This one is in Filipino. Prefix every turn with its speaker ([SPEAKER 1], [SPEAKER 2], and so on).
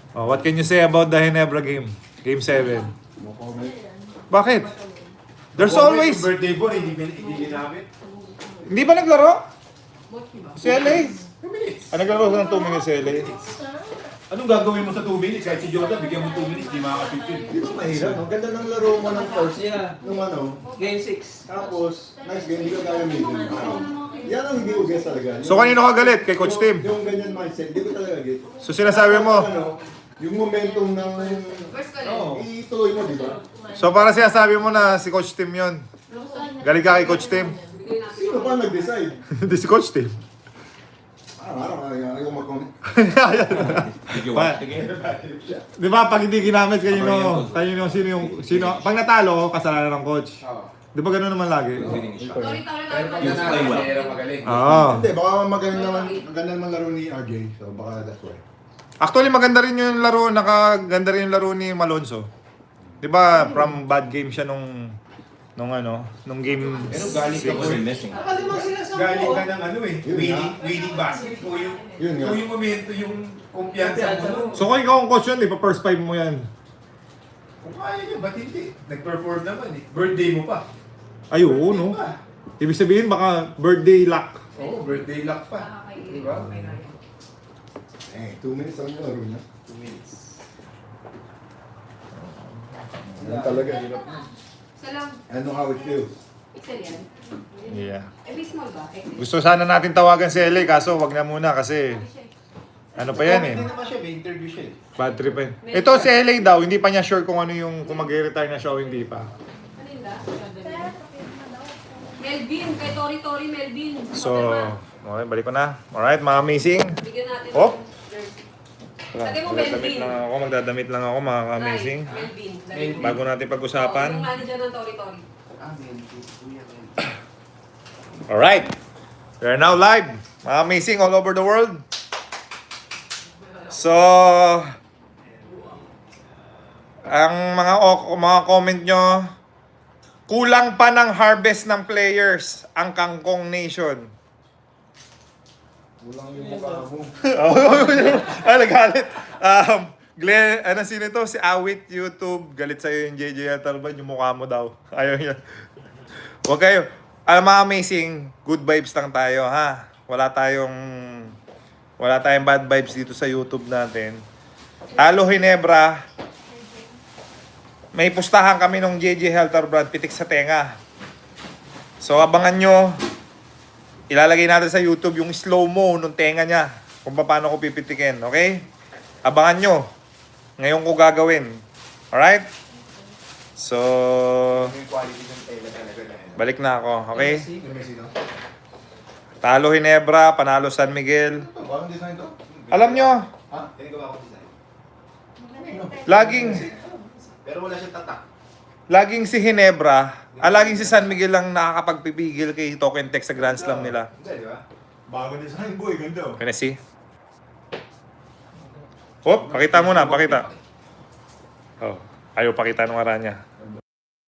[SPEAKER 1] Oh, what can you say about the Ginebra game? Game 7.
[SPEAKER 2] No comment.
[SPEAKER 1] Bakit? There's
[SPEAKER 2] No comment,
[SPEAKER 1] always...
[SPEAKER 2] yung birthday boy, hindi ginamit.
[SPEAKER 1] Hindi ba naglaro? Si LA?
[SPEAKER 2] 2 minutes.
[SPEAKER 1] Naglaro ko ng 2 minutes si LA.
[SPEAKER 2] Anong gagawin mo sa 2 minutes? Kahit si Jordan, bigyan mo 2 minutes, di makakapit yun.
[SPEAKER 3] Di ba mahirap? Ang ganda ng laro mo ng first.
[SPEAKER 4] Yeah.
[SPEAKER 3] Nung ano,
[SPEAKER 4] Game 6.
[SPEAKER 3] tapos, nice game, hindi ka gagamitin. Yan ang hindi ko guess talaga.
[SPEAKER 1] So kanino ka galit? Kay Coach Tim?
[SPEAKER 3] Yung ganyan mindset, hindi ko talaga get.
[SPEAKER 1] So sinasabi mo,
[SPEAKER 3] Ano, yung momentum ng...
[SPEAKER 2] Oo.
[SPEAKER 3] ituloy mo, di ba?
[SPEAKER 1] so para sinasabi mo na si Coach Tim yun. Galit ka kay Coach Tim?
[SPEAKER 3] Sino pa nag-decide?
[SPEAKER 1] Hindi si Coach Tim.
[SPEAKER 3] Araw-araw, ayaw mag-comment.
[SPEAKER 5] Did you watch the game?
[SPEAKER 1] Di ba pag hindi ginamit sino, pag natalo, kasalanan ng coach. Di ba gano'n naman lagi?
[SPEAKER 5] Hitting his shot.
[SPEAKER 6] Sorry,
[SPEAKER 2] Pero pag
[SPEAKER 5] You play well.
[SPEAKER 2] nanalo, magaling.
[SPEAKER 1] Oo.
[SPEAKER 3] Hindi, baka maganda naman laro ni RJ, so baka that's why.
[SPEAKER 1] Actually, maganda rin yung laro, nakaganda rin yung laro ni Malonzo. Di ba, from bad game siya nung game
[SPEAKER 2] Pero galing ka
[SPEAKER 5] He wasn't missing.
[SPEAKER 2] Galing ka ng ano eh, winning basket mo yung,
[SPEAKER 3] Yun nga.
[SPEAKER 2] yung momento, yung kumpiyansa mo.
[SPEAKER 1] So kung ikaw ang coach yun, di pa first five mo yan.
[SPEAKER 2] Kung kaya nyo, ba't hindi? Nag-perform naman eh. Birthday mo pa.
[SPEAKER 1] Ay, oo, no?
[SPEAKER 2] Diba?
[SPEAKER 1] Ibig sabihin, baka birthday luck.
[SPEAKER 2] Oo, birthday luck pa. Diba?
[SPEAKER 3] 2 minutes lang yung laro niya.
[SPEAKER 2] 2 minutes.
[SPEAKER 3] Yan talaga, hirap na.
[SPEAKER 6] Salam.
[SPEAKER 3] I know how it feels.
[SPEAKER 6] Excel yan.
[SPEAKER 1] Yeah.
[SPEAKER 6] Eh, baseball ba? Excel.
[SPEAKER 1] Gusto sana natin tawagan si LA, kaso wag na muna kasi ano pa yan eh.
[SPEAKER 2] Hindi naman siya, may interview siya eh.
[SPEAKER 1] Bad trip eh. Ito si LA daw, hindi pa niya sure kung ano yung, kung mag-retire na siya o hindi pa.
[SPEAKER 6] Malinda? Melvin, kay Tori Melvin.
[SPEAKER 1] So, okay, balik ko na. Alright, mga amazing.
[SPEAKER 6] Bigyan natin.
[SPEAKER 1] Oh.
[SPEAKER 6] ng jersey. Lagay mo Melvin.
[SPEAKER 1] Magdadamit lang ako, mga amazing.
[SPEAKER 6] Right, Melvin. Lagay mo.
[SPEAKER 1] Bago natin pag-usapan.
[SPEAKER 6] Yung manager ng Tori.
[SPEAKER 1] Alright. We are now live. Mga amazing all over the world. So, ang mga comment nyo, kulang pa ng harvest ng players ang Kangkong Nation.
[SPEAKER 3] Kulang yung mukha mo.
[SPEAKER 1] Nagalit. Glenn, sino ito? Si Awit YouTube. Galit sa'yo yung JJ Talban, yung mukha mo daw. Ayaw niya. Huwag kayo. Alam mga amazing, good vibes lang tayo, ha? Wala tayong bad vibes dito sa YouTube natin. Talo Ginebra. May pustahan kami ng JJ Helter Brand, pitik sa tenga. So abangan nyo. Ilalagay natin sa YouTube yung slow-mo nung tenga niya. Kung paano ko pipitikin, okay? Abangan nyo. Ngayon ko gagawin. Alright? So,
[SPEAKER 2] Yung quality ng tela talaga na yun.
[SPEAKER 1] balik na ako, okay?
[SPEAKER 2] Yung Messi, no?
[SPEAKER 1] Talo Ginebra, panalo San Miguel.
[SPEAKER 3] Ito, parang design to.
[SPEAKER 1] Alam nyo,
[SPEAKER 2] Ha? Tinagawa ko design. Pero wala siyang tatak.
[SPEAKER 1] laging si Ginebra, laging si San Miguel lang nakakapagpipigil kay Token Tech sa Grand Slam nila.
[SPEAKER 2] Hindi, di ba?
[SPEAKER 3] Bago design, boy. Ganda.
[SPEAKER 1] Can I see? Oh, pakita muna, pakita. Oh, ayaw pakita nung ara niya.